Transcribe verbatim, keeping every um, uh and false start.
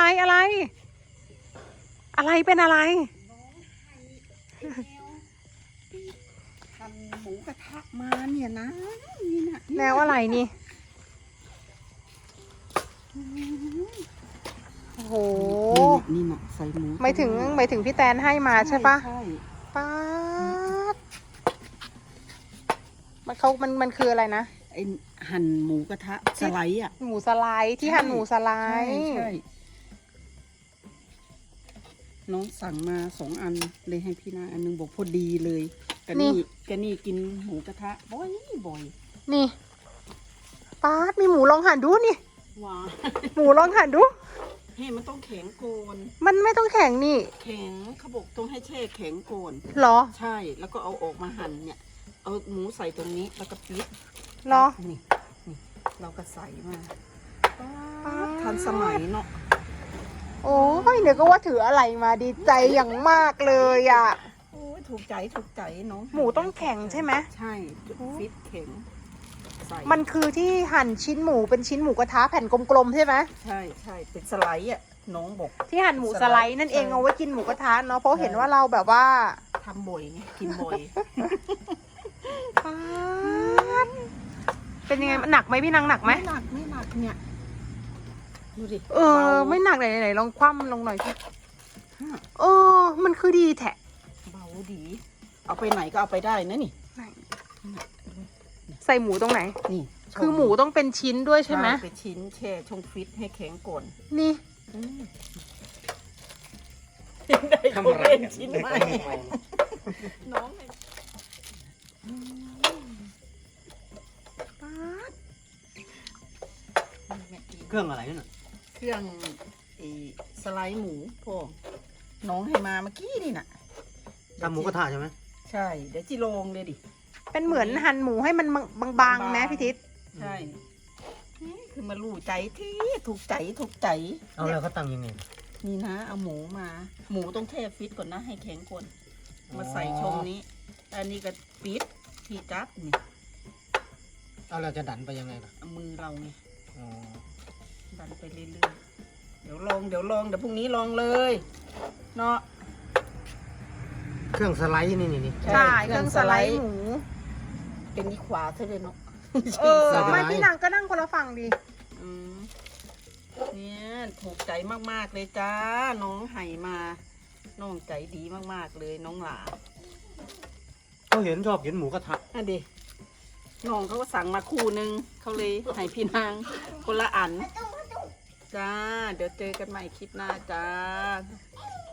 อะไรอะไรเป็นอะไรทำหมูกระทะมาเนี่ยนะนี่นะแนวอะไรนี่โอ้โหนี่นะใส่หมูไม่ถึงไม่ถึงพี่แตนให้มาใช่ปะใช่ป๊าดมันเขามันมันคืออะไรนะไอหั่นหมูกระทะสไลด์อ่ะหมูสไลด์ที่หั่นหมูสไลใช่ด์ใช่น้องสั่งมาสองอันเลยให้พี่นางอันนึงบอกพอดีเลยกันนี่กันนี่กินหมูกระทะบ่อยบ่อยนี่ป๊าดมีหมูลองหั่นดูนี่ว้าหมูลองหั่นดูเฮ้มันต้องแข็งโกนมันไม่ต้องแข็งนี่แข็งเขาบอกต้องให้แช่แข็งโกนเหรอใช่แล้วก็เอาออกมาหั่นเนี่ยเอาหมูใส่ตรงนี้แล้วก็ปิดเหรอนี่นี่เราก็ใส่มาทันสมัยเนาะโอ้ยเดี๋ยวก็ว่าถืออะไรมาดีใจอย่างมากเลยอ่ะโอ้ยถูกใจถูกใจน้องหมูต้องแข็งใช่ไหมใช่ฟิตแข็งใส่มันคือที่หั่นชิ้นหมูเป็นชิ้นหมูกระทะแผ่นกลมๆใช่ไหมใช่ใช่เป็นสไลด์อ่ะน้องบอกที่หั่นหมูสไลด์นั่นเองใช่เอาไว้กินหมูกระทะเนาะเพราะเห็นว่าเราแบบว่าทำบ่อยไงกินบ่อยป๊าดเป็นยังไงมันหนักไหมพี่นางหนักไหมไม่หนักไม่หนักเนี่ยดูดิเออบาไม่หนักไหนไหนลองคว่ำลงหน่อยสิเออมันคือดีแทะเบาดี เอาไปไหนก็เอาไปได้นะนี่ไหนใส่หมูตรงไหนนี่คือหมูต้องเป็นชิ้นด้วยใช่ไหมเป็นชิ้นแช่ช่องฟิตให้แข็งก่อนนี่ได้ทำอะไรเล่นเนี่ยชิ้นเด็กใหม่ก็ไม่ไปน้องเลยป๊าดเครื่องอะไรนั่นน่ะเครื่องไอ้สไลด์หมูพ่อน้องให้มาเมื่อกี้นี่น่ะทำหมูกระทะใช่ไหมใช่เดี๋ยวจิโรงเลยดิเป็นเหมือนหั่นหมูให้มันบางๆนะพี่ทิศใช่นี่คือมาลู่ใจที่ถูกใจถูกใจเอาแล้วเขาตั้งยังไงนี่นะเอาหมูมา หมูต้องแช่ฟิตก่อนนะให้แข็งก่อนมาใส่ช่องนี้อันนี้ก็ปิดที่จับนี่เอาเราจะดันไปยังไงล่ะเอามือเราไงอ๋อดันไปเรื่อยๆเดี๋ยวลองเดี๋ยวลองเดี๋ยวพรุ่งนี้ลองเลยเนาะเครื่องสไลด์นี่นี่นี่ใช่เครื่องสไลด์หมูเป็นนี่ขวาเท่าเลยเนาะเออไม่พี่นางก็นั่งคนละฝั่งดิอืมเนี่ยถูกใจมากๆเลยจ้าน้องไห่มา น้องใจดีมากๆเลยน้องหลาเขาเห็นชอบกินหมูกระทะอันดิน้องเขาก็สั่งมาคู่นึงเขาเลยให้พี่นางคนละอันจ้าเดี๋ยวเจอกันใหม่คลิปหน้าจ้า